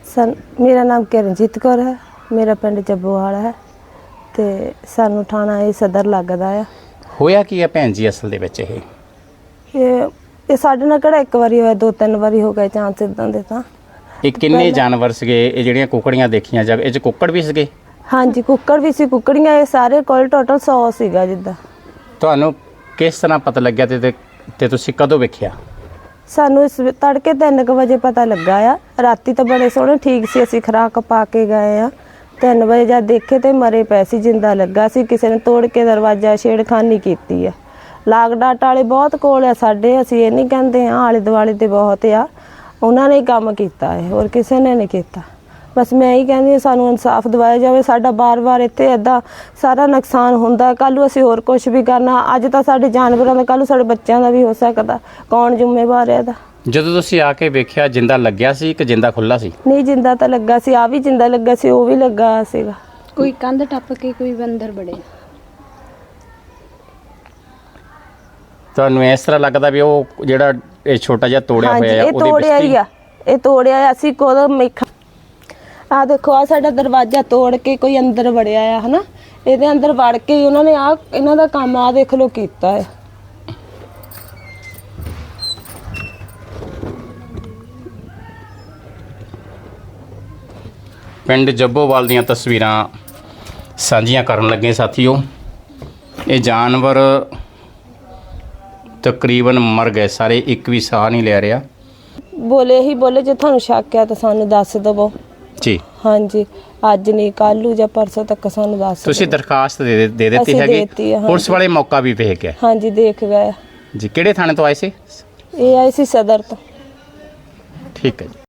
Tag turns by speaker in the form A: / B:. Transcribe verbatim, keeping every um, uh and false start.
A: सन मेरा नाम किरणजीत कौर है, मेरा पिंड जब्बोवाल है ते सानू थाना ये सदर लगदा है।
B: होया की है भैन जी असल दे विच ये
A: ये ये साडे नाल किहड़ा एक वारी होया, दो तीन वारी हो गए चांस इदां दे। तां
B: ਇਹ ਕਿੰਨੇ ਜਾਨਵਰ ਸੀਗੇ ਇਹ ਜਿਹੜੀਆਂ ਕੁਕੜੀਆਂ ਦੇਖੀਆਂ ਜਾ ਇਹ ਚ ਕੁੱਕੜ ਵੀ ਸੀਗੇ?
A: ਹਾਂਜੀ ਕੁੱਕੜ ਵੀ ਸੀ, ਕੁੱਕੜੀਆਂ ਇਹ ਸਾਰੇ ਕੋਲ ਟੋਟਲ सौ ਸੀਗਾ ਜਿੱਦਾਂ।
B: ਤੁਹਾਨੂੰ ਕਿਸ ਤਰ੍ਹਾਂ ਪਤਾ ਲੱਗਿਆ ਤੇ ਤੇ- ਤੇ ਤੁਸੀਂ ਕਦੋਂ ਵੇਖਿਆ?
A: ਸਾਨੂੰ ਇਸ ਵੇ- ਤੜਕੇ ਤਿੰਨ ਕੁ ਵਜੇ ਪਤਾ ਲੱਗਾ ਆ। ਰਾਤੀ ਤਾਂ ਬੜੇ ਸੋਹਣੇ ਠੀਕ ਸੀ, ਅਸੀਂ ਖੁਰਾਕ ਪਾ ਕੇ ਗਏ ਆ। ਤਿੰਨ ਵਜੇ ਜਦ ਦੇਖੇ ਤੇ ਮਰੇ ਪਏ ਸੀ, ਜਿੰਦਾ ਲੱਗਾ ਸੀ, ਕਿਸੇ ਨੇ ਤੋੜ ਕੇ ਦਰਵਾਜ਼ਾ ਛੇੜਖਾਨੀ ਕੀਤੀ ਆ। ਲਾਗ ਡਾਟ ਵਾਲੇ ਬਹੁਤ ਕੋਲ ਆ ਸਾਡੇ, ਅਸੀਂ ਇਹ ਨਹੀਂ ਕਹਿੰਦੇ ਆ, ਆਲੇ ਦੁਆਲੇ ਤੇ ਬਹੁਤ ਆ, ਉਹਨਾਂ ਨੇ ਹੀ ਕੰਮ ਕੀਤਾ ਹੈ, ਹੋਰ ਕਿਸੇ ਨੇ ਨਹੀਂ ਕੀਤਾ। ਬਸ ਮੈਂ ਇਹੀ ਕਹਿੰਦੀ ਹਾਂ ਸਾਨੂੰ ਇਨਸਾਫ ਦਿਵਾਇਆ ਜਾਵੇ। ਸਾਡਾ ਬਾਰ-ਬਾਰ ਇੱਥੇ ਇੱਦਾਂ ਸਾਰਾ ਨੁਕਸਾਨ ਹੁੰਦਾ, ਕੱਲ੍ਹ ਨੂੰ ਅਸੀਂ ਹੋਰ ਕੁਝ ਵੀ ਕਰਨਾ। ਅੱਜ ਤਾਂ ਸਾਡੇ ਜਾਨਵਰਾਂ ਦਾ, ਕੱਲ੍ਹ ਨੂੰ ਸਾਡੇ ਬੱਚਿਆਂ ਦਾ ਵੀ ਹੋ ਸਕਦਾ। ਕੌਣ ਜ਼ਿੰਮੇਵਾਰ ਹੈ ਇਹਦਾ?
B: ਜਦੋਂ ਤੁਸੀਂ ਆ ਕੇ ਵੇਖਿਆ ਜਿੰਦਾ ਲੱਗਿਆ ਸੀ ਕਿ ਜਿੰਦਾ ਖੁੱਲਾ ਸੀ?
A: ਨਹੀਂ ਜਿੰਦਾ ਤਾਂ ਲੱਗਾ ਸੀ, ਆ ਵੀ ਜਿੰਦਾ ਲੱਗਾ ਸੀ, ਉਹ ਵੀ ਲੱਗਾ ਸੀਗਾ।
C: ਕੋਈ ਕੰਧ ਟੱਪ ਕੇ ਕੋਈ ਅੰਦਰ ਵੜਿਆ।
B: ਤੁਹਾਨੂੰ ਇਸ ਤਰ੍ਹਾਂ ਲੱਗਦਾ ਵੀ ਉਹ ਜਿਹੜਾ ਇਹ ਛੋਟਾ ਜਿਹਾ ਤੋੜਿਆ
A: ਹਾਂਜੀ
B: ਹੋਇਆ
A: ਇਹ ਤੋੜਿਆ ਹੀ ਆ, ਇਹ ਤੋੜਿਆ ਆ। ਅਸੀਂ ਕੋਲ ਮੇਖਾ ਆ ਦੇਖੋ ਆ ਸਾਡਾ ਦਰਵਾਜ਼ਾ ਤੋੜ ਕੇ ਕੋਈ ਅੰਦਰ ਵੜਿਆ ਆ, ਹਨਾ। ਇਹਦੇ ਅੰਦਰ ਵੜ ਕੇ ਉਹਨਾਂ ਨੇ ਆ ਇਹਨਾਂ ਦਾ ਕੰਮ ਆ ਦੇਖ ਲਓ ਕੀਤਾ ਹੈ।
B: ਪਿੰਡ ਜੱਬੋਵਾਲ ਦੀਆਂ ਤਸਵੀਰਾਂ ਸਾਂਝੀਆਂ ਕਰਨ ਲੱਗੇ ਸਾਥੀਓ। ਇਹ ਜਾਨਵਰ ਤਕਰੀਬਨ ਮਰ ਗਏ ਸਾਰੇ, ਇੱਕ ਵੀ ਸਾਹ ਨਹੀਂ ਲੈ ਰਿਹਾ।
A: ਬੋਲੇ ਹੀ ਬੋਲੇ ਜੇ ਤੁਹਾਨੂੰ ਸ਼ੱਕ ਆ ਤਾਂ ਸਾਨੂੰ ਦੱਸ ਦਵੋ
B: ਜੀ
A: ਹਾਂਜੀ, ਅੱਜ ਨਹੀਂ ਕੱਲ੍ਹ ਨੂੰ ਜਾਂ ਪਰਸੋਂ ਤੱਕ ਸਾਨੂੰ ਦੱਸ
B: ਤੁਸੀਂ
A: ਦਿਓ।
B: ਦਰਖਾਸਤ ਦੇ ਦੇ- ਦੇ ਦਿੱਤੀ
A: ਅਸੀਂ
B: ਹੈਗੀ?
A: ਦੇਤੀ ਹੈ, ਹਾਂਜੀ।
B: ਪੁਲਿਸ ਵਾਲੇ ਮੌਕਾ ਵੀ ਵੇਖ ਗਏ
A: ਹਾਂਜੀ ਦੇਖ ਗਏ।
B: ਜੀ। ਕਿਹੜੇ ਥਾਣੇ ਤੋਂ ਆਏ ਸੀ?
A: ਇਹ ਆਏ ਸੀ ਸਦਰ ਤੋਂ।
B: ਠੀਕ ਹੈ ਜੀ।